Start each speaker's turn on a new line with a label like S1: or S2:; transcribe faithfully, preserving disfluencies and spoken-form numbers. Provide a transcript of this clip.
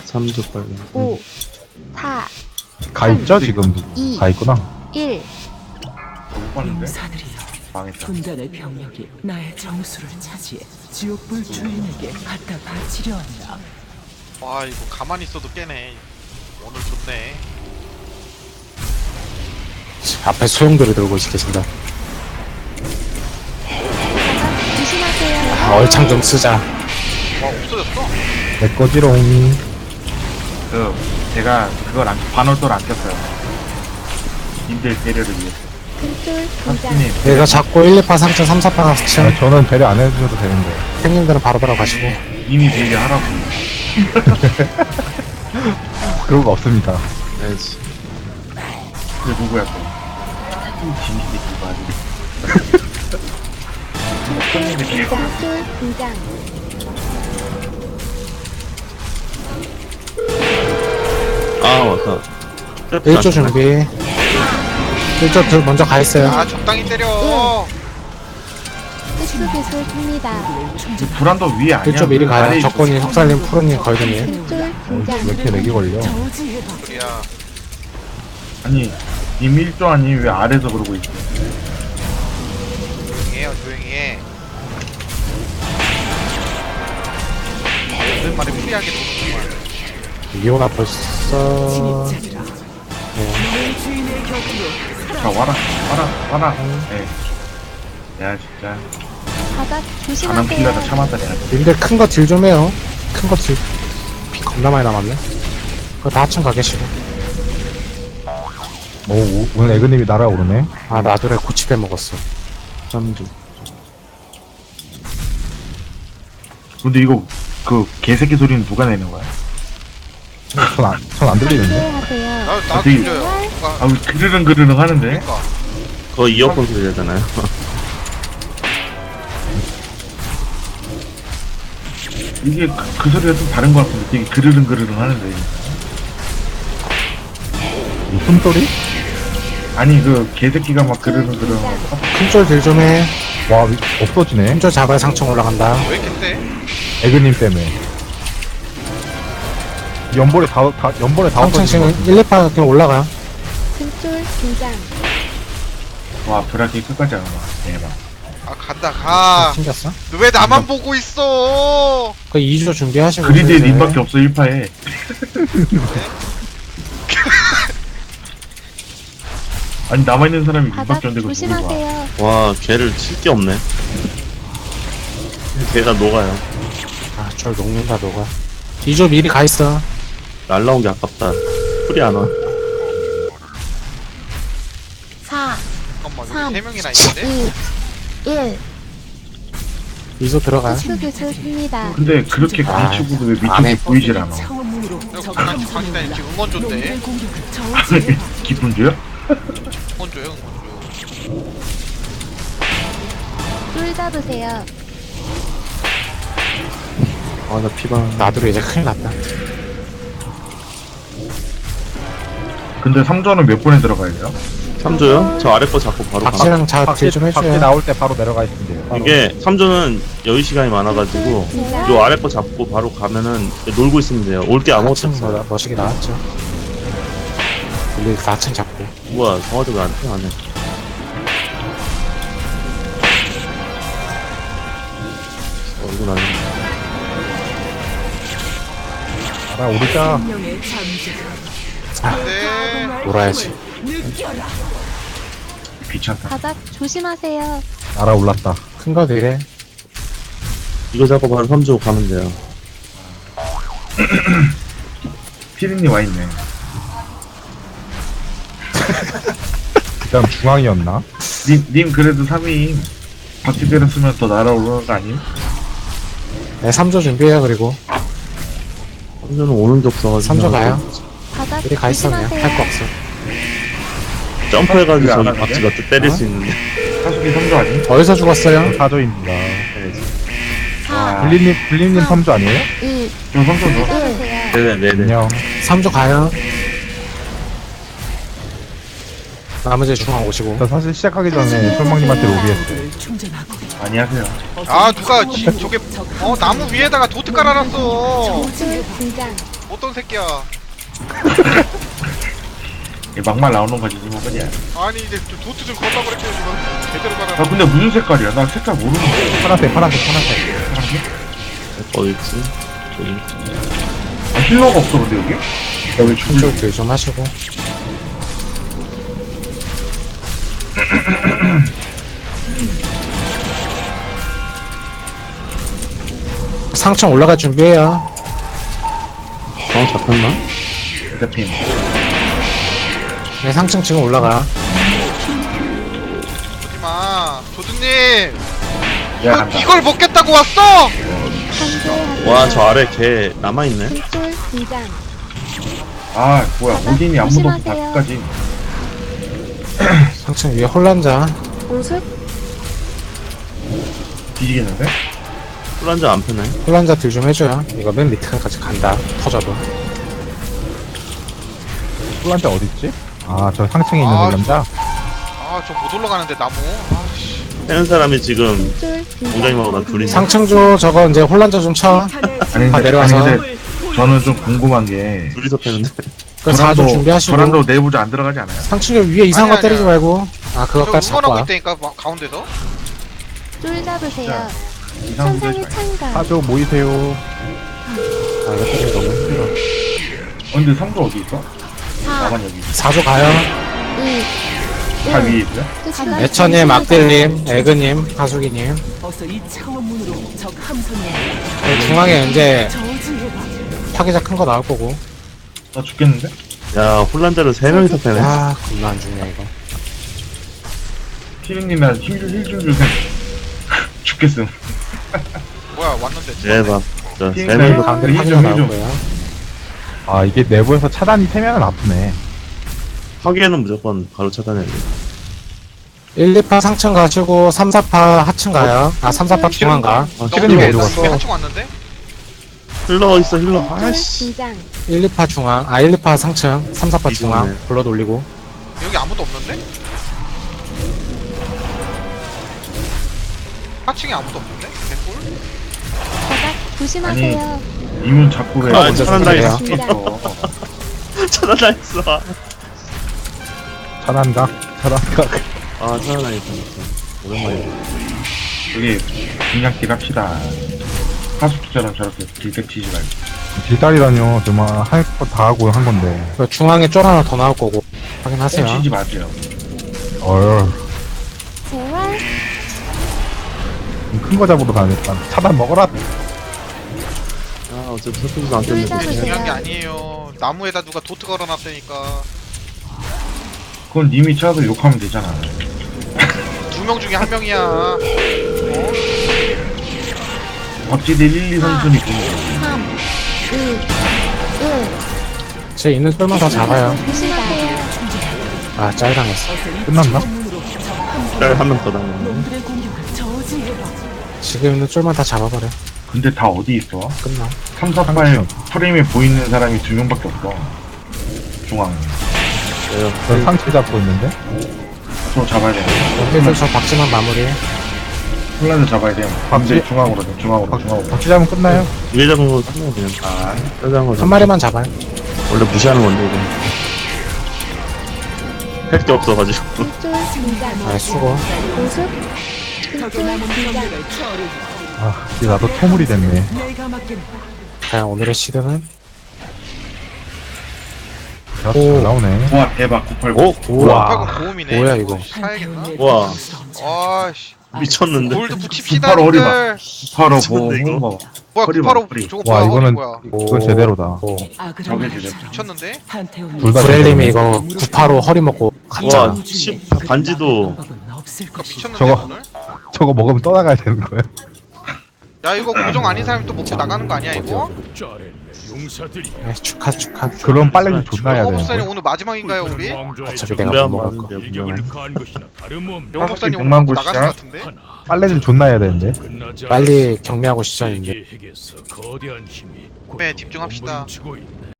S1: 삼 주 빨리.
S2: 오, 사,
S3: 가 있죠 지금?
S2: 이,
S3: 가 있구나.
S2: 일.
S4: 못 봤는데?
S5: 용사들이여,
S4: 망했다.
S5: 군단의 병력이 나의 정수를 차지해 지옥불 주인에게 갖다 바치려 한다.
S6: 와 이거 가만히 있어도 깨네. 오늘 좋네.
S7: 앞에 소용돌이 들고 계신다.
S2: 조심하세요.
S7: 아, 얼창 좀 쓰자.
S6: 와 없어졌어?
S3: 내 거지롱.
S4: 그 제가 그걸 안 반월도를 안 꼈어요. 님들 배려를 위해서.
S2: 큰쫄 등장.
S4: 하스님
S7: 내가 자꾸 일, 이 파, 삼 층, 삼, 사 파, 사 층.
S3: 아, 저는 배려 안 해주셔도 되는데.
S7: 형님들은 바로 들어가시고.
S4: 이미 배려하라고.
S3: 그런 거 없습니다.
S1: 해야지.
S4: 그 누구야 또? 진실이 누가 아직.
S2: 큰쫄 등장.
S1: 아, 맞다.
S7: 일 조 준비. 일 조 들 먼저 가 있어요.
S6: 아 적당히 때려.
S2: 흑수기술 줍니다.
S4: 불안도 위에 아니야?
S7: 일 조 미리
S4: 그
S7: 가요.
S4: 아래에
S7: 적군이 석살님, 푸른님, 걸드님.
S2: 큰쫄
S3: 왜
S2: 등장.
S3: 이렇게 렉이 걸려?
S5: 저지해봐.
S6: 우리야.
S4: 아니 님 일 조 아니 왜 아래서 그러고 있어?
S6: 조용히 해요 조용히 해. 오랜만에 프리하게 노는구만.
S7: 이호가 벌써.
S5: 진입자들아, 너의 주인의 곁으로
S4: 자 와라 와라 와라. 네. 야 진짜
S2: 바닥
S4: 안한 필러다
S2: 조심하세요.
S4: 참았다 내가.
S7: 님들 큰 거 딜 좀 해요. 큰 거 딜. 피 겁나 많이 남았네. 그거 다 합친 가 계시고.
S3: 오, 오, 오늘 에그님이 날아오르네.
S7: 아, 나도래 고치 빼먹었어.
S1: 삼 주.
S4: 근데 이거 그 개새끼 소리는 누가 내는 거야?
S3: 전 안, 전 안 들리는데?
S2: 조심하세요.
S6: 나 나도
S4: 되게-
S6: 들려요. 누가
S4: 아왜 그르릉 그르릉 하는데?
S6: 그러니까.
S1: 그거 이어폰 소리 되잖아요.
S4: 이게 그, 그 소리가 좀 다른 것 같은데 되게 그르릉 그르릉 하는데.
S3: 무슨 소리?
S4: 아니 그 개새끼가 막 그르릉 그르릉 하고
S7: 큰쫄 딜 좀 해.
S3: 와, 위- 없어지네.
S7: 큰쫄 잡아야 상층 올라간다.
S6: 왜 이렇게 세?
S3: 에그님 때문에. 연벌에 다, 다 연벌에 다
S7: 상층
S3: 없어지는
S7: 지금 일, 이 파 그냥 올라가.
S2: 큰쫄 등장.
S4: 와 브라키 끝까지 안 와. 대박.
S6: 아 간다 가.
S7: 튕겼어?
S6: 너 왜 나만 보고 있어?
S7: 그 이 조 준비하시고.
S4: 그리드에
S7: 슬슬.
S4: 님밖에 없어 일 파에. 아니 남아있는 사람이
S2: 바닥
S4: 님밖에 없는데 그거 누구 봐.
S2: 조심하세요.
S1: 와, 걔를 칠 게 없네. 걔가 녹아요.
S7: 아, 절 녹는다, 녹아. 이 조 미리 가 있어.
S1: 날라온 게 아깝다. 풀이 안 와.
S2: 사,
S6: 잠깐만
S2: 삼,
S6: 여기 세 명이나 있는데?
S2: 이, 일.
S7: 이 조 들어가.
S2: 흑수기술 줍니다.
S4: 근데 그렇게
S7: 아,
S4: 가르치고도 왜
S7: 안 해.
S4: 밑쪽이 보이질 않아?
S5: 차원문으로
S6: 이거 강한 강시다니 지금 응원조인데?
S5: 놈들의 공격을 저지해봐.
S4: 기분 줘요?
S6: 응원조요 응원조.
S2: 쫄 잡으세요.
S1: 아, 나 피방.
S7: 나도 이제 큰일 났다.
S4: 근데 삼 조는 몇 번에 들어가야 돼요?
S1: 삼 주요? 저 아래 거 잡고 바로 가.
S7: 박씨랑 자, 딜 좀
S3: 밖에
S7: 해줘요.
S3: 나올 때 바로 내려가 있으면 돼요. 바로.
S1: 이게 삼 주는 여유 시간이 많아가지고
S2: 등장.
S1: 요 아래 거 잡고 바로 가면은 놀고 있으면 돼요. 올 게 아무것도
S7: 사 층
S1: 없어.
S7: 뭐, 멋있게 나왔죠. 우리 사 층 잡고.
S1: 뭐야, 성화도 왜안 안 해? 어, 이건 아닌데.
S3: 날아오르자.
S5: 생명의 잠재가
S6: 네.
S7: 놀아야지.
S5: 느껴라.
S4: 귀찮다.
S2: 바닥 조심하세요.
S3: 날아올랐다.
S7: 큰 거 딜해.
S1: 이거 잡고 바로 삼 주 가면 돼요.
S4: 피디님 와있네.
S3: 그 다음 중앙이었나?
S4: 님, 님 그래도 삼 위 바퀴 때렸으면 더 날아오르는 거 아니에요?
S7: 네, 삼 조 준비해요, 그리고.
S1: 삼 주는 오는 게 없어가지고.
S7: 삼 조 가요.
S2: 바닥
S7: 미리 가 있어, 그냥. 할 거
S2: 조심하세요.
S7: 없어.
S1: 점프해가지고
S4: 그게 안
S1: 저기
S4: 하는데?
S1: 박쥐가 또 때릴
S7: 어?
S1: 수 있는데.
S4: 사수기 삼 조 아니?
S7: 어디서 죽었어요?
S3: 사조입니다.
S2: 사,
S3: 블리님, 블리님 삼조 아니에요?
S2: 이,
S4: 저 삼 조
S2: 쫄
S4: 넣어.
S2: 잡으세요.
S1: 네네네.
S3: 안녕.
S7: 삼 조 가요. 나머지 중앙 오시고.
S3: 저 사실 시작하기 전에 솔망님한테 로비했어요.
S5: 를 충전하고
S4: 안녕하세요.
S6: 아 누가 지, 저게 어 나무 위에다가 도트 깔아놨어.
S2: 쫄 등장.
S6: 어떤 새끼야.
S4: 얘 막말 나오는 거지 지금 그냥.
S6: 아니 이제 좀 도트 좀 걸라고 그랬지 지금. 제대로
S4: 아
S6: 가라.
S4: 근데 무슨 색깔이야? 나 색깔 모르는데.
S3: 파란색, 파란색, 파란색.
S1: 어디 있지? 저기.
S4: 아, 힐러가 없어 근데 여기? 야왜 죽을?
S7: 좀 딜 좀 하시고. 상층 올라갈 준비해요.
S1: 어, 잡혔나?
S4: 대핀.
S7: 네, 상층 지금 올라가.
S6: 오지마. 조드님.
S4: 야
S6: 너
S4: 간다.
S6: 이걸 먹겠다고 왔어?
S2: 한줄
S1: 와, 저 아래 걔 남아있네?
S2: 한줄 등장.
S4: 아 뭐야 오딘이 아무도 없어
S2: 조심하세요.
S4: 다까지.
S7: 상층 위에 혼란자.
S2: 오술
S4: 뒤지겠는데?
S1: 술 안 펴네.
S7: 혼란자 딜 좀 해줘요. 이거 맨 밑에까지 간다. 터져도.
S3: 꿀란자 어딨지? 아, 저 상층에 있는
S6: 아,
S3: 남자?
S6: 아 저 못 올라가는데 나무. 아씨.
S1: 빼는 사람이 지금
S2: 한줄 등장.
S1: 공장님하고 나 둘이
S7: 상층조 저거 이제 혼란자 좀 쳐.
S4: 아니
S7: 다
S4: 근데,
S7: 내려와서.
S4: 아니 근데 저는 좀 궁금한 게
S1: 둘이서 패는데.
S7: 그 사조 준비하시고.
S4: 저랑도 내부자 안 들어가지 않아요?
S7: 상층조 위에 이상한 거
S6: 아니,
S7: 때리지
S6: 아니야.
S7: 말고. 아,
S6: 저
S7: 그것까지 잡고
S6: 응원하고
S7: 와.
S6: 있다니까 막 가운데서.
S2: 줄 잡으세요.
S4: 이상한 거
S2: 천상의
S4: 하지
S2: 창가.
S3: 사조 모이세요.
S7: 아, 이거 때리기 너무 힘들어.
S4: 마. 어, 근데 상조 어디 있어?
S2: 사,
S4: 나만 여기 있어.
S7: 사조 가요.
S2: 이,
S4: 다 위에 있어요?
S2: 끝이다.
S7: 애처님, 악딜님, 에그님, 하수기님.
S5: 어서 이 창원문으로 적 함선을
S7: 여기 중앙에 이제
S5: 저지해봐.
S7: 파괴자 큰 거 나올 거고.
S4: 나 죽겠는데?
S1: 야, 홀란자를 세 명이서 패네.
S7: 아, 겁나 안 죽네, 이거.
S4: 티리님이랑 힘좀 힐좀 주세요. 죽겠음.
S6: 뭐야 왔는데.
S1: 대박. 저, 세
S4: 네.
S1: 명이서.
S7: 가운데
S4: 일
S7: 파괴자
S4: 점,
S7: 나올
S4: 일 점.
S7: 거예요.
S3: 아, 이게 내부에서 차단이 세면은 아프네.
S1: 파괴는 무조건 바로 차단해야 돼.
S7: 일, 이 파 상층 가시고 삼, 사 파 하층 가요. 아, 삼, 사 파 중앙 가.
S1: 아,
S3: 시그님
S1: 힐러
S3: 어디
S1: 갔어?
S3: 갔어?
S6: 한층 왔는데?
S1: 힐러 있어, 힐러.
S2: 한줄
S1: 아이씨.
S2: 등장.
S7: 일, 이 파 중앙. 아, 일, 이 파 상층. 삼, 사 파 중앙.
S1: 이거네.
S7: 불러 돌리고.
S6: 여기 아무도 없는데? 하층에 아무도 없는데? 개꿀?
S2: 바닥 조심하세요.
S4: 이문 자꾸 왜?
S1: 아,
S7: 먼저
S1: 차단당했어.
S7: 선택해요.
S1: 차단당했어.
S3: 차단각, 차단각.
S1: 아, 차단당했어. 오랜만이다.
S4: 여기 그냥 딜합시다. 하수기처럼 저렇게 딜백 치지 말고.
S3: 딜다리라뇨. 정말 할 거 다 하고 한 건데.
S7: 그 중앙에 쫄 하나 더 나올 거고. 확인하세요.
S4: 뻥 치지 마세요.
S3: 어휴.
S2: 재활.
S3: 큰 거 잡으러 다녔다. 차단 먹어라.
S1: 아, 어차피 서쪽에서 안
S2: 줄
S1: 떴는데.
S2: 잡으세요.
S6: 중요한 게 아니에요. 나무에다 누가 도트 걸어놨다니까.
S4: 그건 님이 쳐서 욕하면 되잖아.
S6: 두 명 중에 한 명이야. 어?
S4: 박지대 일, 이 선순위 보는
S2: 삼, 이, 일.
S7: 제 있는 쫄만 다 잡아요.
S2: 조심하세요.
S7: 아, 짤당했어.
S3: 끝났나?
S1: 한 명 더 당했네.
S5: 놈들의 공격을 저지해봐.
S7: 지금 있는 쫄만 다 잡아버려.
S4: 근데 다 어디 있어?
S7: 끝나.
S4: 삼, 사, 팔 프레임에 보이는 사람이 두 명밖에 없어. 중앙에.
S3: 저 상체 잡고 있는데?
S4: 저 잡아야 돼.
S7: 여기서 저 박지만 마무리.
S4: 혼란을 잡아야 돼.
S3: 박지?
S4: 근데 중앙으로 돼. 중앙으로. 중앙으로.
S3: 박쥐 잡으면 끝나요?
S1: 위에 잡은 거 끝나면 그냥. 아, 짜잔 거.
S7: 한 마리만 잡아요.
S1: 원래 무시하는 건데, 이거. 할 게 없어가지고.
S2: 한줄 등장.
S7: 아, 수고.
S2: 오술.
S5: 적의 남은
S2: 한줄 등장.
S5: 병력을 처리.
S3: 아, 이제 나도 퇴물이 됐네.
S5: 내가 맡긴
S7: 과연 오늘의 시드는?
S3: 야, 잘 나오네.
S4: 와, 대박. 구팔구.
S1: 오? 우와.
S6: 팔고 고음이네.
S7: 뭐야, 이거.
S6: 사야겠나?
S1: 와.
S6: 아씨.
S1: 미쳤는데.
S6: 골드 붙입시다,
S4: 구팔 어리
S6: 님들.
S4: 구팔오
S1: 미쳤는데, 이거.
S4: 보호.
S6: 뭐야,
S4: 허리 봐,
S6: 구팔오
S4: 허리.
S6: 저거
S3: 와,
S6: 뭐야,
S3: 이거는,
S6: 뭐야.
S3: 이건 제대로다.
S7: 오.
S4: 저게 제대로.
S6: 미쳤는데?
S3: 둘다
S7: 브렐님이 이거 구파로 허리 먹고 갔잖아.
S1: 와, 십, 반지도.
S6: 그니까 미쳤는데,
S3: 저거.
S6: 오늘?
S3: 저거 먹으면 떠나가야 되는 거예요?
S6: 야, 이거 고정 아닌 사람이 또 먹고 나가는 거 아니야, 이거?
S7: 네, 축하, 축하.
S3: 그럼 빨래도 존나 해야
S6: 영호
S3: 되는
S6: 목사님
S3: 거야.
S6: 오늘 마지막인가요, 우리?
S7: 어차피 내가
S1: 분배한
S7: 못 먹을 거.
S1: 많은데, 분배만.
S6: 영호 목사님 오늘
S4: 백만
S6: 먹고
S4: 구
S6: 나가는 거
S4: 시작.
S6: 같은데?
S3: 빨래를 존나 해야 되는데.
S7: 빨리 경매하고 시작인데.
S6: 네, 집중합시다.